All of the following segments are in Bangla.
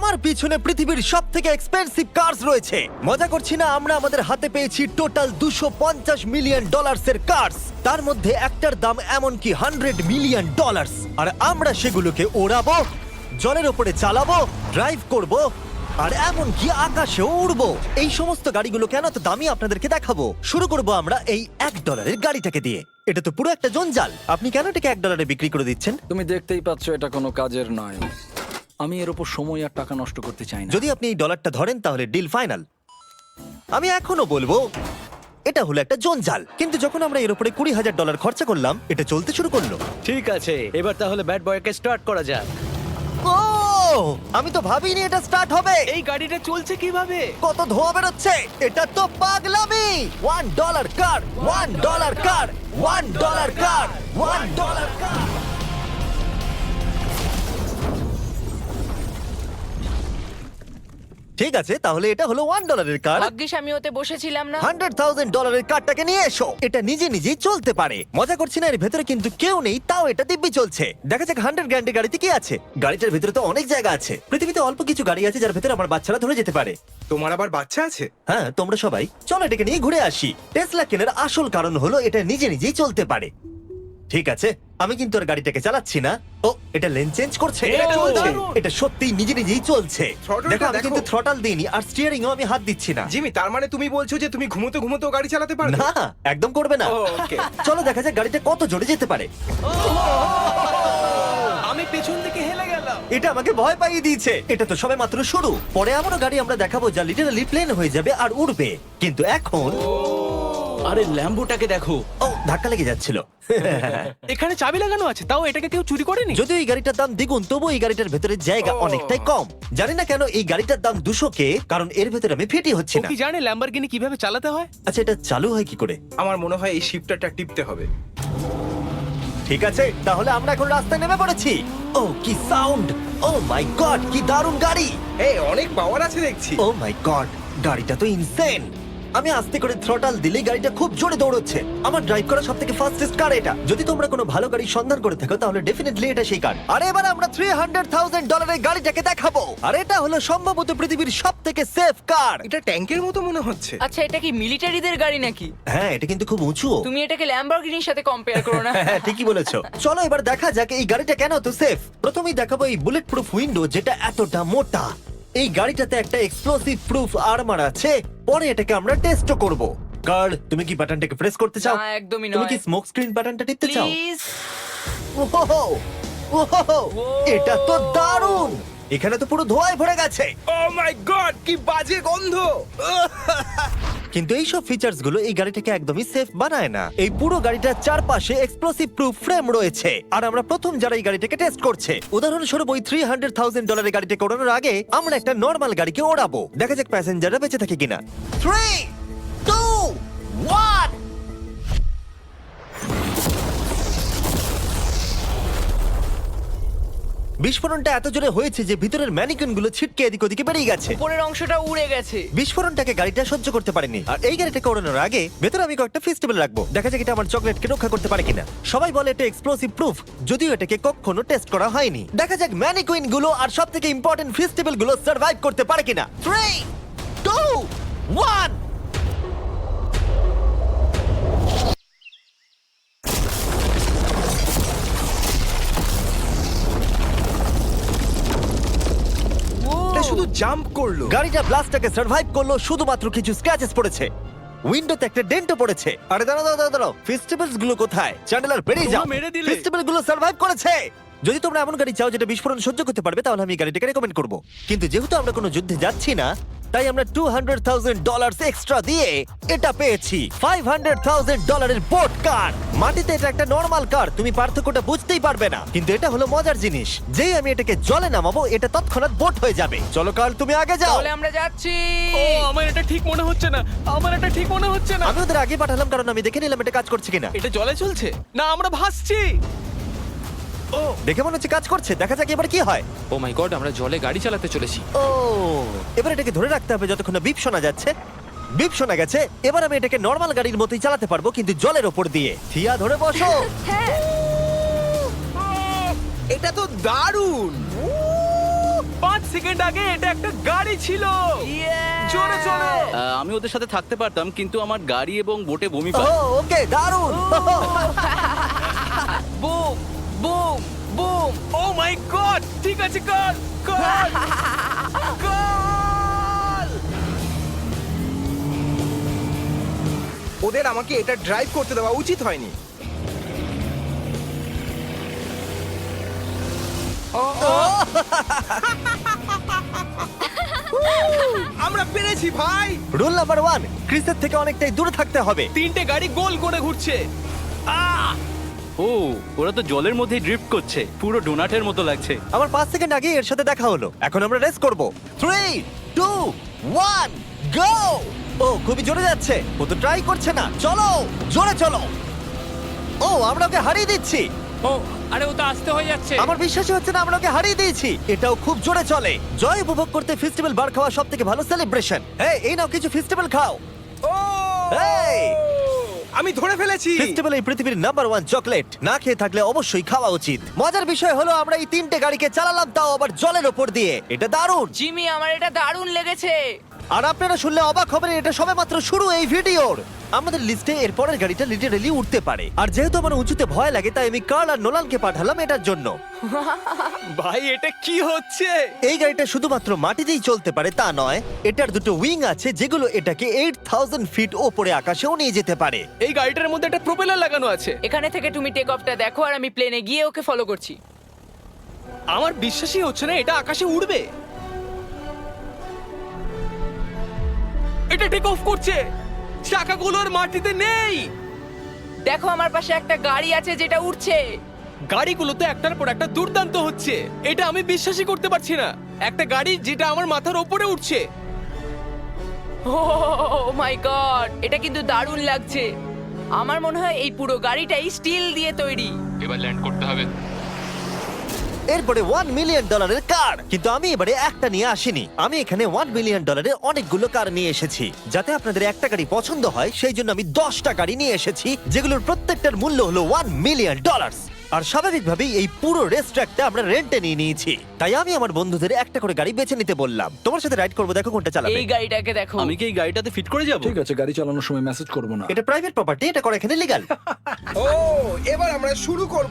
আমার পিছনে পৃথিবীর সব থেকে এক্সপেন্সিভ কার্স রয়েছে। মজা করছি না, আমরা আমাদের হাতে পেয়েছি টোটাল $250 মিলিয়ন এর কার্স। তার মধ্যে একটার দাম এমনকি $100 মিলিয়ন। আর আমরা সেগুলোকে ওড়াবো, জলের ওপরে চালাবো, ড্রাইভ করব, আর এমনকি আকাশেও উড়বো। এই সমস্ত গাড়িগুলো কেন তো দামি আপনাদেরকে দেখাবো। শুরু করব আমরা এই $1 গাড়িটাকে দিয়ে। এটা তো পুরো একটা জঞ্জাল। আপনি কেন এটাকে $1 বিক্রি করে দিচ্ছেন? তুমি দেখতেই পাচ্ছ এটা কোনো কাজের নয়। আমি এর উপর সময় আর টাকা নষ্ট করতে চাই না। যদি আপনি এই ডলারটা ধরেন তাহলে ডিল ফাইনাল। আমি এখনো বলবো এটা হলো একটা জঞ্জাল, কিন্তু যখন আমরা এর উপরে $20,000 খরচা করলাম, এটা চলতে শুরু করলো। ঠিক আছে, এবার তাহলে ব্যাড বয়কে স্টার্ট করা যাক। ও, আমি তো ভাবিনি এটা স্টার্ট হবে। এই গাড়িটা চলছে কিভাবে? কত ধোঁয়া বেরোচ্ছে, এটা তো পাগলামি। $1 কার, $1 কার, $1 কার, $1 কার। ঠিক আছে, তাহলে এটা হলো $1 কার। ভাগ্যিস আমি ওতে বসেছিলাম না। $100,000 কারটাকে নিয়ে এসো। এটা নিজে নিজেই চলতে পারে। মজা করছি না, এর ভেতরে কিন্তু কেউ নেই, তাও এটা দিব্যি চলছে। দেখা যাক 100 গ্র্যান্ডের গাড়িতে কি আছে। গাড়িটার ভেতরে তো অনেক জায়গা আছে। পৃথিবীতে অল্প কিছু গাড়ি আছে যার ভেতরে আমার বাচ্চারা ধরে যেতে পারে। তোমার আবার বাচ্চা আছে? হ্যাঁ, তোমরা সবাই চলো এটাকে নিয়ে ঘুরে আসি। টেসলা কেনার আসল কারণ হলো এটা নিজে নিজেই চলতে পারে। ঠিক আছে, আমি কিন্তু আর গাড়িটাকে চালাচ্ছি না। ও, এটা লেন চেঞ্জ করছে। এটা চলছে। এটা সত্যিই নিজে নিজেই চলছে। Throttle-টা দেখো, আমি দেখো। কিন্তু থ্রটাল দিইনি আর স্টিয়ারিংও আমি হাত দিচ্ছি না। জিমি, তার মানে তুমি বলছো যে তুমি ঘুমোতে ঘুমোতেও গাড়ি চালাতে পারবে? না, একদম করবে না। ও, okay. চলো দেখা যাক গাড়িটা কত জোরে যেতে পারে। আমি পেছন থেকে হেলে গেলাম। এটা আমাকে ভয় পাইয়ে দিয়েছে। এটা তো সবে মাত্র শুরু। পরে এমনও গাড়ি আমরা দেখাবো যা লিটারালি প্লেন হয়ে যাবে আর উড়বে। কিন্তু এখন আরে ল্যাম্বোটাকে দেখো, ও, ধাক্কা লেগে যাচ্ছিল। এখানে চাবি লাগানো আছে, তাও এটাকে কেউ চুরি করেনি। যদিও এই গাড়িটার দাম দ্বিগুণ, তবু এই গাড়িটার ভেতরে জায়গা ও। অনেকটাই কম। জানি না কেন এই গাড়িটার দাম 200K, কারণ এর ভেতরে আমি ফিটি হচ্ছি ও না। কি জানে ল্যাম্বরগিনি কিভাবে চালাতে হয়? আচ্ছা, এটা চালু হয় কি করে? আমার মনে হয় এই শিফটারটা টিপতে হবে। ঠিক আছে, তাহলে আমরা এখন রাস্তায় নেমে পড়েছি। ও, কি সাউন্ড! ও মাই গড, কি দারুণ গাড়ি! এই অনেক পাওয়ার আছে দেখছি। ও মাই গড, গাড়িটা তো ইনসেন। আমি আস্তে করে থ্রটাল দিলেই গাড়িটা খুব জোরে দৌড়চ্ছে। আমার ড্রাইভ করা সবথেকে ফাস্টেস্ট কার এটা। যদি তোমরা কোনো ভালো গাড়ির সন্ধান করে থাকো তাহলে ডেফিনেটলি এটা সেই কার। আর এবার আমরা $300,000 এর গাড়িটাকে দেখাবো। আর এটা হলো সম্ভবত পৃথিবীর সবথেকে সেফ কার। এটা ট্যাঙ্কের মতো মনে হচ্ছে। আচ্ছা, এটা কি মিলিটারিদের গাড়ি নাকি? হ্যাঁ, এটা কিন্তু খুব উঁচু। তুমি এটাকে ল্যাম্বরগিনির সাথে কম্পেয়ার করো না। হ্যাঁ, ঠিকই বলেছো। চলো এবার দেখা যাক এই গাড়িটা কেন তো সেফ। প্রথমেই দেখাবো এই বুলেট প্রুফ উইন্ডো, যেটা এতটা মোটা। এই গাড়িটাতে একটা এক্সপ্লোসিভ প্রুফ আর্মার আছে। পরে এটাকে আমরা টেস্ট করব। কার্ল, তুমি কি বাটনটাকে প্রেস করতে চাও? না, একদমই তুমি নয়। কি স্মোক স্ক্রিন বাটনটা টিপতে চাও? প্লিজ। ওহো, ওহো, এটা তো দারুণ। এখানে তো পুরো ধোঁয়ায় ভরে গেছে। ও মাই গড, কি বাজে গন্ধ! কিন্তু এইসব ফিচার্স গুলো এই গাড়িটাকে একদমই সেফ বানায় না। এই পুরো গাড়িটার চারপাশে এক্সপ্লোসিভ প্রুফ ফ্রেম রয়েছে। আর আমরা প্রথম যারা এই গাড়িটাকে টেস্ট করছে, উদাহরণস্বরূপ ওই $300,000 গাড়িটাকে ওড়ানোর আগে আমরা একটা নর্মাল গাড়িকে ওড়াবো। দেখা যাক প্যাসেঞ্জাররা বেঁচে থাকে কিনা। 3, 2, 1। বিস্ফোরণটা এত জোরে হয়েছে যে ভিতরের ম্যানিকুইন গুলো ছিটকে এদিক ওদিকে বেরিয়ে গেছে। উপরের অংশটা উড়ে গেছে। বিস্ফোরণটাকে গাড়িটা সহ্য করতে পারেনি। আর এই গাড়িটাকে ওড়ানোর আগে ভেতরে আমি কয়েকটা ফেস্টিভ্যাল রাখবো। দেখা যাক এটা আমার চকলেটকে রক্ষা করতে পারে কিনা। সবাই বলে এটা এক্সপ্লোসিভ প্রুফ, যদিও এটাকে কখনো টেস্ট করা হয়নি। দেখা যাক ম্যানিকুইন গুলো আর সবথেকে ইম্পর্টেন্ট ফেস্টিভ্যাল গুলো সার্ভাইভ করতে পারে কিনা। 3, 2, 1। এটা শুধু জাম্প করলো। গাড়িটা ব্লাস্টটাকে সার্ভাইভ করলো, শুধুমাত্র কিছু স্ক্র্যাচেস পড়েছে। উইন্ডোতে একটা ডেন্টও পড়েছে। আরে দাঁড়াও, ফেস্টিভ্যালস গুলো কোথায়? চ্যান্ডেলার বেরিয়ে যাও। তোমরা মেরে দিলে। ফেস্টিভ্যাল গুলো সার্ভাইভ করেছে। যদি তোমরা এমন গাড়ি চাও যেটা বিস্ফোরণ সহ্য করতে পারবে, তাহলে আমি এই গাড়িটাকে রেকমেন্ড করব। কিন্তু যেহেতু আমরা কোনো যুদ্ধে যাচ্ছি না, তাই আমরা $200,000 এক্সট্রা দিয়ে এটা পেয়েছি। $500,000 এর বোট কার। মাটিতে এটা একটা নর্মাল কার, তুমি পার্থক্যটা বুঝতেই পারবে না। কিন্তু এটা হলো মজার জিনিস, যেই আমি এটাকে জলে নামাবো এটা তৎক্ষণাৎ বোট হয়ে যাবে। চলো কার্ল, তুমি আগে যাও। তাহলে আমরা যাচ্ছি। ও, আমার এটা ঠিক মনে হচ্ছে না, আমার এটা ঠিক মনে হচ্ছে না। আমি ওদের আগে পাঠালাম কারণ আমি দেখে নিলাম এটা কাজ করছে কিনা। এটা জলে চলছে না, আমরা ভাসছি। ও, দেখে মনে হচ্ছে কাজ করছে। দেখা যাক এবার কি হয়। ও মাই গড, আমরা জলে গাড়ি চালাতে চলেছি। ও, এবার এটাকে ধরে রাখতে হবে যতক্ষণ না বিপ শোনা যাচ্ছে। বিপ শোনা গেছে। এবার আমি এটাকে নর্মাল গাড়ির মতোই চালাতে পারবো, কিন্তু জলের ওপর দিয়ে। থিয়া, ধরে বসো। হ্যাঁ। এটা তো দারুণ! 5 সেকেন্ড আগে এটা একটা গাড়ি ছিল। জোরে চলো। আমি ওদের সাথে থাকতে পারতাম কিন্তু আমার গাড়ি এবং বোটে বমি ও পায়। ওকে দারুণ boom boom boom. Oh my god, ঠিক আছে, কর কর কর। ওদের আমাকে এটা ড্রাইভ করতে দেওয়া উচিত হয়নি। আমরা পেরেছি ভাই। রুল নাম্বার 1, ক্রিসের থেকে অনেকটাই দূরে থাকতে হবে। 3টে গাড়ি গোল করে ঘুরছে। ও ওরা তো জলের মধ্যেই ড্রিফট করছে, পুরো ডোনাটের মতো লাগছে। আমার 5 সেকেন্ড আগে এর সাথে দেখা হলো। এখন আমরা রেস করব। 3 2 1 গো। ও খুবই জোরে যাচ্ছে। ও তো ট্রাই করছে না। চলো জোরে চলো। ও আমরা ওকে হারিয়ে দিচ্ছি। ও আরে ও তো আসতে হয়ে যাচ্ছে। আমার বিশ্বাসই হচ্ছে না আমরা ওকে হারিয়ে দিয়েছি। এটাও খুব জোরে চলে। জয় উপভোগ করতে ফেস্টিভ্যাল বার খাওয়া সব থেকে ভালো সেলিব্রেশন। এই নাও কিছু ফেস্টিভ্যাল খাও। ও এই! আমি ধরে ফেলেছি। ফেস্টিভ্যাল এই পৃথিবীর নাম্বার 1 চকলেট। না খেয়ে থাকলে অবশ্যই খাওয়া উচিত। মজার বিষয় হলো আমরা এই 3টে গাড়িকে চালালাম, তাও আবার জলের ওপর দিয়ে। এটা দারুণ। জিমি, আমার এটা দারুণ লেগেছে। আর আপনারা শুনলে অবাক হবেন, এটা সবেমাত্র শুরু এই ভিডিওর। আমাদের লিস্টে এর পরের গাড়িটা লিটারালি উঠতে পারে। আর যেহেতু আমার উঁচুতে ভয় লাগে, তাই আমি কার্ল আর নোলানকে পাঠালাম এটার জন্য। ভাই এটা কি হচ্ছে? এই গাড়িটা শুধুমাত্র মাটিতেই চলতে পারে তা নয়, এটার দুটো উইং আছে যেগুলো এটাকে 8000 ফিট ওপরে আকাশেও নিয়ে যেতে পারে। এই গাড়িটার মধ্যে একটা প্রপেলার লাগানো আছে। এখানে থেকে তুমি টেক অফটা দেখো আর আমি প্লেনে গিয়ে ওকে ফলো করছি। আমার বিশ্বাসই হচ্ছে না এটা আকাশে উড়বে। এটা টেক অফ করছে, চাকাগুলোর মাটিতে নেই। দেখো আমার পাশে একটা গাড়ি আছে যেটা উঠছে। গাড়িগুলো তো একটার পর একটা দুর্দান্ত হচ্ছে। এটা আমি বিশ্বাসই করতে পারছি না, একটা গাড়ি যেটা আমার মাথার ওপরে উঠছে। ও মাই গড, এটা কিন্তু দারুণ লাগছে। আমার মনে হয় এই পুরো গাড়িটাই স্টিল দিয়ে তৈরি। এবার ল্যান্ড করতে হবে। এরপরে $1 মিলিয়ন কার। কিন্তু আমি এবারে একটা নিয়ে আসিনি। আমি এখানে $1 মিলিয়ন অনেকগুলো কার নিয়ে এসেছি। যাতে আপনাদের একটা গাড়ি পছন্দ হয় সেই জন্য আমি 10টা গাড়ি নিয়ে এসেছি, যেগুলোর প্রত্যেকটার মূল্য হলো $1 মিলিয়ন। আর স্বাভাবিকভাবেই এই পুরো রেস ট্র্যাকটা আমরা রেন্টে নিয়ে নিয়েছি। তাই আমি আমার বন্ধুদের একটা করে গাড়ি বেছে নিতে বললাম। তোমার সাথে রাইড করবো, দেখো কোনটা চালাবে। এই গাড়িটাকে দেখো। আমি কি এই গাড়িটাতে ফিট করে যাব? ঠিক আছে, গাড়ি চালানোর সময় মেসেজ করবো না। এটা প্রাইভেট প্রপার্টি, এটা করা এখানে লিগ্যাল। ও এবার আমরা শুরু করব।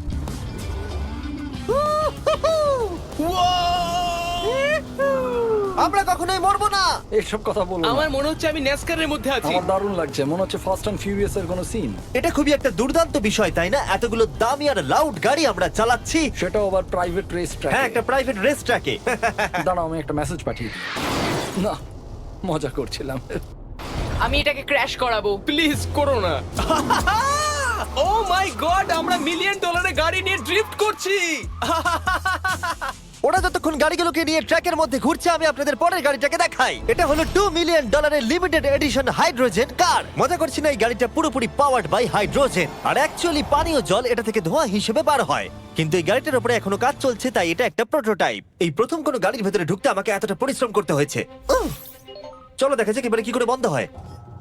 আমরা কখনোই মরবো না। এইসব কথা বলবো না। আমার মনে হচ্ছে আমি ন্যাসকারের মধ্যে আছি। আমার দারুণ লাগছে, মনে হচ্ছে ফাস্ট অ্যান্ড ফিউরিয়াস এর কোনো সিন। এটা খুবই একটা দুর্দান্ত বিষয়, তাই না? এতগুলো দামি আর লাউড গাড়ি আমরা চালাচ্ছি। সেটাও আবার প্রাইভেট রেস ট্র্যাক। হ্যাঁ, একটা প্রাইভেট রেস ট্র্যাকে। দাঁড়াও, আমি একটা মেসেজ পাঠিয়ে দিই। না, মজা করছিলাম। আমি এটাকে ক্র্যাশ করাবো। প্লিজ করো না। ও মাই গড, আমরা $1 মিলিয়ন গাড়ি নিয়ে ড্রিফট করছি। ওরা যতক্ষণ গাড়িগুলোকে নিয়ে ট্র্যাকের মধ্যে ঘুরছে, আমি আপনাদের পরের গাড়িটাকে দেখাই। এটা হলো $2 million limited edition hydrogen car. মজা করছি না, এই গাড়িটা পুরোপুরি পাওয়ার্ড বাই হাইড্রোজেন। আর অ্যাকচুয়ালি পানীয় জল এটা থেকে ধোঁয়া হিসেবে বার হয়। কিন্তু এই গাড়িটার উপরে এখনো কাজ চলছে, তাই এটা একটা প্রোটোটাইপ। এই প্রথম কোনো গাড়ির ভেতরে ঢুকতে আমাকে এতটা পরিশ্রম করতে হয়েছে। চলো দেখা যাক এবারে কি করে বন্ধ হয়।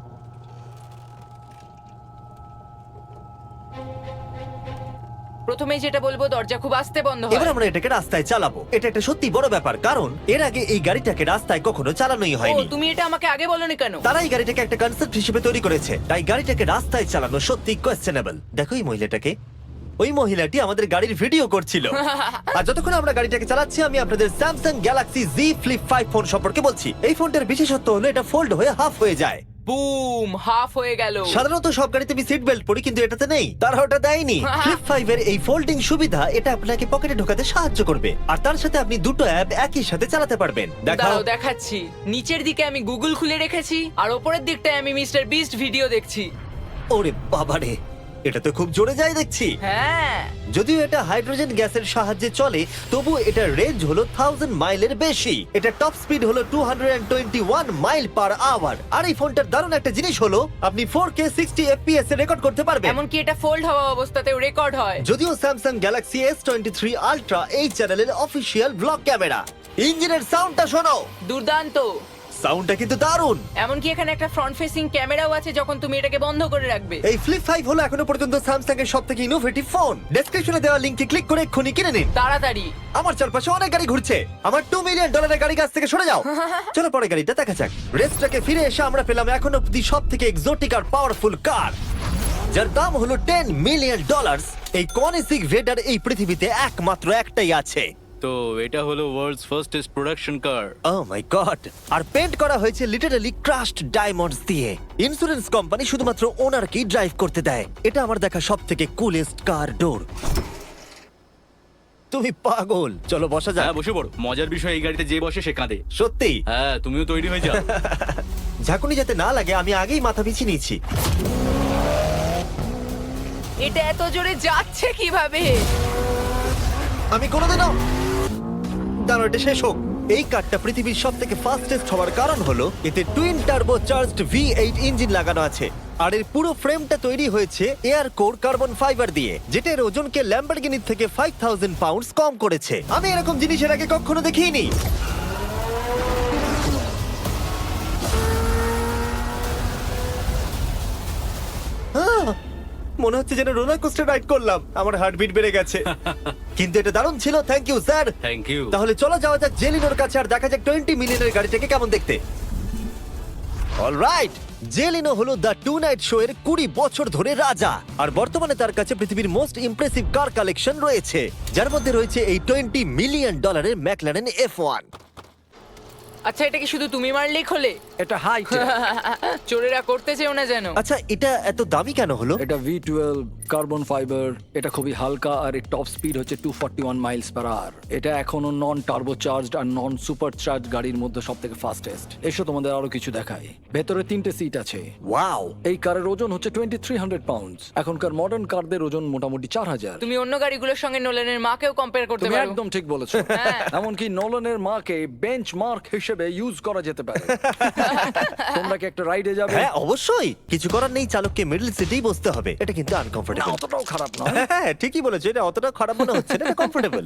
প্রথমেই যেটা বলবো, দরজা খুব আস্তে বন্ধ হয়। এবার আমরা এটাকে রাস্তায় চালাবো। এটা একটা সত্যি বড় ব্যাপার, কারণ এর আগে এই গাড়িটাকে রাস্তায় কখনো চালানোই ও, হয়নি। তুমি এটা আমাকে আগে বলনি কেন? তারা এই গাড়িটাকে একটা কনসেপ্ট হিসেবে তৈরি করেছে, তাই গাড়িটাকে রাস্তায় চালানো সত্যি কোয়েশ্চেনেবল। দেখো এই মহিলাটাকে। ওই মহিলাটি আমাদের গাড়ির ভিডিও করছিল। আর যতক্ষণ আমরা গাড়িটাকে চালাচ্ছি, আমি আপনাদের Samsung Galaxy Z Flip 5 phone সম্পর্কে বলছি। এই ফোনটার বিশেষত্ব হলো এটা ফোল্ড হয়ে হাফ হয়ে যায়। বুম, হাফ হয়ে গেল। সাধারণত সব গাড়িতে আমি সিট বেল্ট পরি, কিন্তু এটাতে নেই। তারা ওটা দেয়নি। ফ্লিপ 5 এর এই ফোল্ডিং সুবিধা, এটা আপনাকে পকেটে ঢোকাতে সাহায্য করবে। আর তার সাথে আপনি দুটো অ্যাপ একই সাথে চালাতে পারবেন। দেখাও। দাঁড়াও দেখাচ্ছি। নিচের দিকে আমি গুগল খুলে রেখেছি, আর ওপরের দিকটায় আমি মিস্টার বিস্ট ভিডিও দেখছি। ওরে বাবারে, এটা তো খুব জোরে যায় দেখছি। হ্যাঁ, যদিও এটা হাইড্রোজেন গ্যাসের সাহায্যে চলে, তবু এটার রেঞ্জ হলো 1000 মাইলের বেশি। এটা টপ স্পিড হলো 221 মাইল পার আওয়ার। আর এই ফোনটার দারুণ একটা জিনিস হলো আপনি 4K 60 FPS এ রেকর্ড করতে পারবেন। এমনকি এটা ফোল্ড হওয়া অবস্থাতেও রেকর্ড হয়। যদিও স্যামসাং গ্যালাক্সি S23 আলট্রা এই চ্যানেলের অফিসিয়াল ব্লগ ক্যামেরা। ইঞ্জিনের সাউন্ডটা শোনো। দুর্দান্ত। সাউন্ডটা কিন্তু দারুণ। এমনকি এখানে একটা ফ্রন্ট ফেসিং ক্যামেরাও আছে যখন তুমি এটাকে বন্ধ করে রাখবে। এই ফ্লিপ 5 হলো এখনো পর্যন্ত স্যামসাং এর সবথেকে ইনোভেটিভ ফোন। ডেসক্রিপশনে দেওয়া লিংকে ক্লিক করে এক্ষুনি কিনে নিন। তাড়াতাড়ি। আমার চারপাশে অনেক গাড়ি ঘুরছে। আমার $2 মিলিয়ন গাড়ি কাছ থেকে সরে যাও। চলো পরে গাড়িটা দেখা যাক। রেসটাকে ফিরে এসে আমরা পেলাম এখন অব্দি সব থেকে এক্সোটিক আর পাওয়ারফুল কার, যার দাম হলো $10 মিলিয়ন। এই কনিসিক ভেডার এই পৃথিবীতে একমাত্র একটাই আছে। তো এটা হলো world's fastest production car. Oh my god! আর পেন্ট করা হয়েছে লিটারালি ক্রাশড ডায়মন্ডস দিয়ে। ইন্স্যুরেন্স কোম্পানি শুধুমাত্র ওনারকেই ড্রাইভ করতে দেয়। এটা আমার দেখা সব থেকে কুলেস্ট কার ডোর। তুমি পাগল। চলো বসা যাক। হ্যাঁ বসে পড়ো। মজার বিষয় এই গাড়িতে যে বসে সে কাঁদে। সত্যি হ্যাঁ তুমিও তৈরি হয়ে যাও। ঝাঁকুনি যাতে না লাগে আমি আগেই মাথা পিছিয়ে নিয়েছি। এটা এত জোরে যাচ্ছে কিভাবে? আমি কোনোদিনও দাঁড়ো, এটা শেষ হোক। এই কারটা পৃথিবীর সব থেকে ফাস্টেস্ট হওয়ার কারণ হলো এতে twin turbo charged V8 engine লাগানো আছে। আর এর পুরো ফ্রেমটা তৈরি হয়েছে এয়ার কোর কার্বন ফাইবার দিয়ে, যেটা এর ওজনকে ল্যাম্বরগিনির থেকে 5000 পাউন্ডস কম করেছে। আমি এরকম জিনিসের আগে কখনো দেখিনি। মনে হচ্ছে যেন রোলার কোস্টার রাইড করলাম। আমার হার্টবিট বেড়ে গেছে। কিন্তু এটা দারুণ ছিল। Thank you sir. Thank you. তাহলে চলো যাওয়া যাক জেলিনোর কাছে আর দেখা যাক 20 মিলিয়নের গাড়িটাকে কেমন দেখতে। অলরাইট, জেলিনো হলো দ্য টু নাইট শো এর 20 বছর ধরে রাজা। আর বর্তমানে তার কাছে পৃথিবীর মোস্ট ইমপ্রেসিভ কার কালেকশন রয়েছে, যার মধ্যে রয়েছে এই $20 মিলিয়ন ম্যাকলারেন F1। আচ্ছা, এটা কি শুধু তুমি মারলেই খোলে? এটা হাইট। চোরেরা করতে চেও না যেন। আচ্ছা, এটা এত দামি কেন হলো? এটা V12 কার্বন ফাইবার। এটা খুবই হালকা আর এর টপ স্পিড হচ্ছে 241 মাইলস পার আওয়ার। এটা এখনো নন টার্বো চার্জড আর নন সুপার চার্জ গাড়ির মধ্যে সবথেকে ফাস্টেস্ট। এসো তোমাদের আরো কিছু দেখাই। ভেতরে 3টে সিট আছে। ওয়াও! এই কারের ওজন হচ্ছে 2300 পাউন্ডস। এখনকার মডার্ন কারদের ওজন মোটামুটি 4000। তুমি অন্য গাড়িগুলোর সঙ্গে নোলানের মাকেও কম্পেয়ার করতে তুমি পারো। একদম ঠিক বলেছো। হ্যাঁ। এমনকি নোলানের মাকে বেঞ্চমার্ক হিসেবে ইউজ করা যেতে পারে। তোমরা কি একটা রাইডে যাবে? হ্যাঁ অবশ্যই। কিছু করার নেই, চালককে মিডল সিটেই বসতে হবে। এটা কিন্তু না, আনকমফোর্টেবল। অতটাও খারাপ নয়। হ্যাঁ ঠিকই বলেছো, এটা অতটা খারাপ মনে হচ্ছে না, এটা কমফোর্টেবল।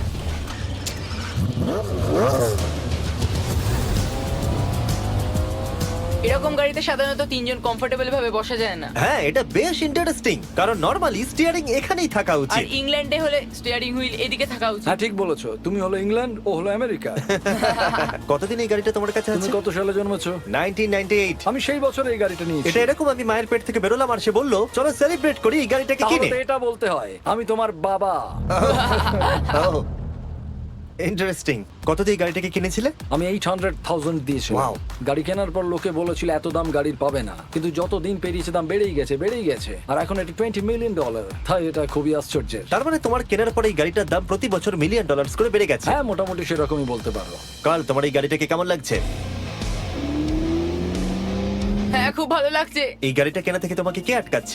এরকম গাড়িতে সাধারণত 3 জন কমফোর্টেবল ভাবে বসা যায় না। হ্যাঁ এটা বেশ ইন্টারেস্টিং, কারণ নরমালি স্টিয়ারিং এখানেই থাকা আর উচিত। ইংল্যান্ডে হলে স্টিয়ারিং হুইল এদিকে থাকা উচিত। হ্যাঁ ঠিক বলেছো। তুমি হলো ইংল্যান্ড, ও হলো আমেরিকা। কতদিন এই গাড়িটা তোমার কাছে তুমি আছে? কত সালে জন্মেছো? 1998। আমি সেই বছর এই গাড়িটা নিয়েছি। এটা এরকম আমি মায়ের পেট থেকে বেরোলাম আর সে বললো চলো সেলিব্রেট করি এই গাড়িটাকে তাহলে কিনে। তো এটা বলতে হয় আমি তোমার বাবা। ইন্টারেস্টিং। কত দিয়ে এই গাড়িটাকে কিনেছিলে? আমি 800,000 দিয়েছি। Wow. গাড়ি কেনার পর লোকে বলেছিল এত দাম গাড়ির পাবে না, কিন্তু যত দিন পেরিয়েছে দাম বেড়েই গেছে। আর এখন এটা $20 মিলিয়ন। তাই এটা খুবই আশ্চর্যের। তার মানে তোমার কেনার পরে এই গাড়িটার দাম প্রতি বছর $1 মিলিয়ন করে বেড়ে গেছে। হ্যাঁ মোটামুটি সেরকমই বলতে পারো। কাল তোমার এই গাড়িটাকে কেমন লাগছে? হ্যাঁ খুব ভালো লাগছে। এই গাড়িটা কেনা থেকে তোমাকে কে আটকাচ্ছে?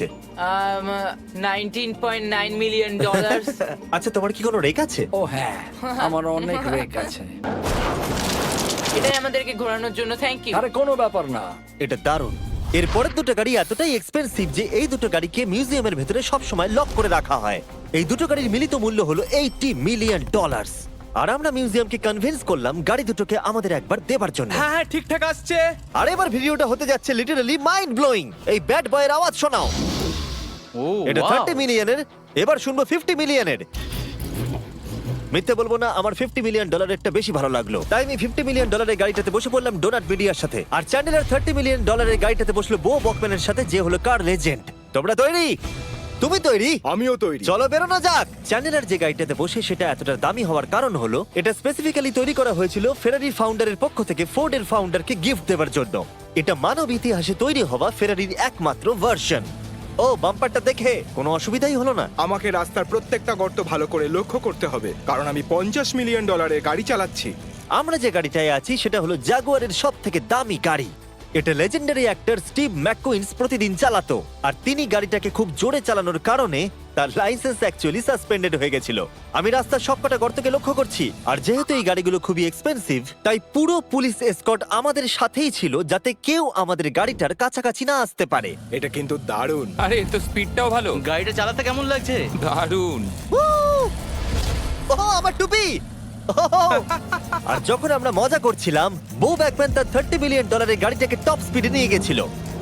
$19.9 মিলিয়ন। আচ্ছা তোমার কি কোনো রেক আছে? ও হ্যাঁ, আমার অনেক রেক আছে। এটাই আমাদেরকে ঘোরানোর জন্য থ্যাংক ইউ। আরে কোনো ব্যাপার না। এটা দারুণ। এর পরের দুটো গাড়ি এতটাই এক্সপেন্সিভ যে এই দুটো গাড়িকে মিউজিয়ামের ভেতরে সব সময় লক করে রাখা হয়। এই দুটো গাড়ির মিলিত মূল্য হলো $80 মিলিয়ন। আর আমরা মিউজিয়ামকে কনভিন্স করলাম গাড়ি দুটোকে আমাদের একবার দেবার জন্য। হ্যাঁ হ্যাঁ ঠিকঠাক আসছে। আর এবার ভিডিওটা হতে যাচ্ছে লিটারালি মাইন্ড ব্লোয়িং। এই ব্যাড বয়ের আওয়াজ শোনাও। ও এটা 30 মিলিয়নের, এবার শুনবো 50 মিলিয়নের। মিথ্যে বলবো না, আমার $50 মিলিয়নটা বেশি ভালো লাগলো, তাই আমি $50 মিলিয়ন গাড়িটাতে বসে পড়লাম ডোনাট মিডিয়ার সাথে। আর চ্যান্ডেলার $30 মিলিয়ন গাড়িটাতে বসলো বো বকম্যানের সাথে, যে হলো কার লেজেন্ড। তোমরা তৈরি? তুমি তৈরি? আমিও তৈরি। চলো বেরোনো যাক। চ্যান্ডেলার যে গাড়িটাতে বসে সেটা এতটা দামি হওয়ার কারণ হলো এটা স্পেসিফিক্যালি তৈরি করা হয়েছিল ফেরারি ফাউন্ডারের পক্ষ থেকে ফোর্ডের ফাউন্ডারকে গিফট দেওয়ার জন্য। এটা মানব ইতিহাসে তৈরি হওয়া ফেরারির একমাত্র ভার্সন। ও বাম্পারটা দেখে কোনো অসুবিধাই হলো না। আমাকে রাস্তার প্রত্যেকটা গর্ত ভালো করে লক্ষ্য করতে হবে, কারণ আমি $50 মিলিয়ন গাড়ি চালাচ্ছি। আমরা যে গাড়িটায় আছি সেটা হলো জাগুয়ারের সব থেকে দামি গাড়ি। এটা লেজেন্ডারি অ্যাক্টর স্টিভ ম্যাককুইন্স প্রতিদিন চালাতো, আর তিনি গাড়িটাকে খুব জোরে চালানোর কারণে তার লাইসেন্স অ্যাকচুয়ালি সাসপেন্ডেড হয়ে গেছিল। আমি রাস্তার সবকটা গর্তকে লক্ষ্য করছি, আর যেহেতু এই গাড়িগুলো খুবই এক্সপেন্সিভ তাই পুরো পুলিশ এসকর্ট আমাদের সাথেই ছিল, যাতে কেউ আমাদের গাড়িটার কাছাকাছি না আসতে পারে। এটা কিন্তু দারুণ। আরে এর তো স্পিডটাও ভালো। গাড়িটা চালাতে কেমন লাগছে? দারুণ। ও আমার টুপি! আর যখন আমরা মজা করছিলাম, বো ব্যাকম্যান তার $30 মিলিয়ন গাড়িটাকে টপ স্পিডে নিয়ে গেছিল।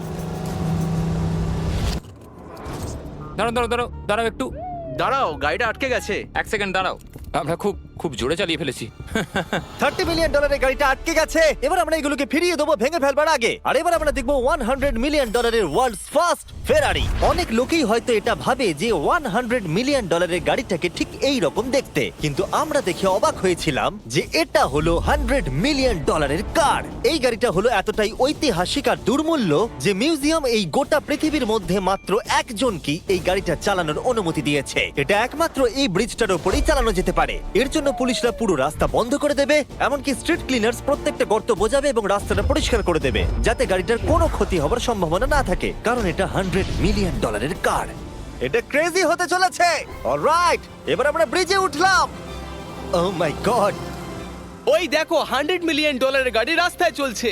দাঁড়াও দাঁড়াও দাঁড়াও দাঁড়াও একটু, দাঁড়াও, গাড়িটা আটকে গেছে। এক সেকেন্ড দাঁড়াও। আমরা খুব খুব জোরে চালিয়ে ফেলেছি। $30 মিলিয়ন গাড়িটা আটকে গেছে। এবার আমরা এগুলোকে ফিরিয়ে দেবো ভেঙে ফেলবার আগে। আর এবার আমরা দেখবো $100 মিলিয়ন ওয়ার্ল্ডস ফার্স্ট ফেরারি। অনেক লোকেই হয়তো এটা ভাবে যে $100 মিলিয়ন গাড়িটাকে ঠিক এই রকম দেখতে, কিন্তু আমরা দেখে অবাক হয়েছিলাম যে এটা হলো $100 মিলিয়ন কার। এই গাড়িটা হলো এতটাই ঐতিহাসিক আর দুর্মূল্য যে মিউজিয়াম এই গোটা পৃথিবীর মধ্যে মাত্র একজনকেই এই গাড়িটা চালানোর অনুমতি দিয়েছে। এটা একমাত্র এই ব্রিজটার উপরেই চালানো যেতে পারে। এর জন্য পুলিশরা পুরো রাস্তা বন্ধ করে দেবে, এমনকি স্ট্রিট ক্লিনার্স প্রত্যেকটা গর্ত বোঝাবে এবং রাস্তাটা পরিষ্কার করে দেবে, যাতে গাড়িটার কোনো ক্ষতি হবার সম্ভাবনা না থাকে, কারণ এটা $100 মিলিয়ন কার। এটা ক্রেজি হতে চলেছে। অলরাইট, এবার আমরা ব্রিজে উঠলাম। ও মাই গড, ওই দেখো $100 মিলিয়ন গাড়ি রাস্তায় চলছে।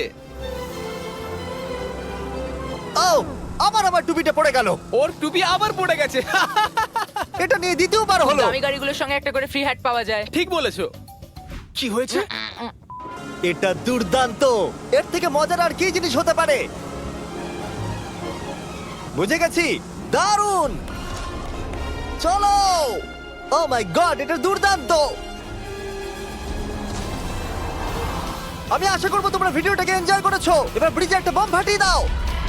ও আমার টুপিটা পড়ে গেল। ওর টুপি আবার পড়ে গেছে। এটা নিয়ে দ্বিতীয়বার হলো। দামি গাড়িগুলোর সঙ্গে একটা করে ফ্রি হ্যাট পাওয়া যায়। ঠিক বলেছো। কি হয়েছে? এটা দুর্দান্ত। এর থেকে মজার আর কি জিনিস হতে পারে? বুঝে গেছি, দারুণ। চলো। ও মাই গড, এটা দুর্দান্ত। আমি আশা করবো তোমরা ভিডিওটাকে এনজয় করেছো। এবার ব্রিজে একটা বম ফাটিয়ে দাও।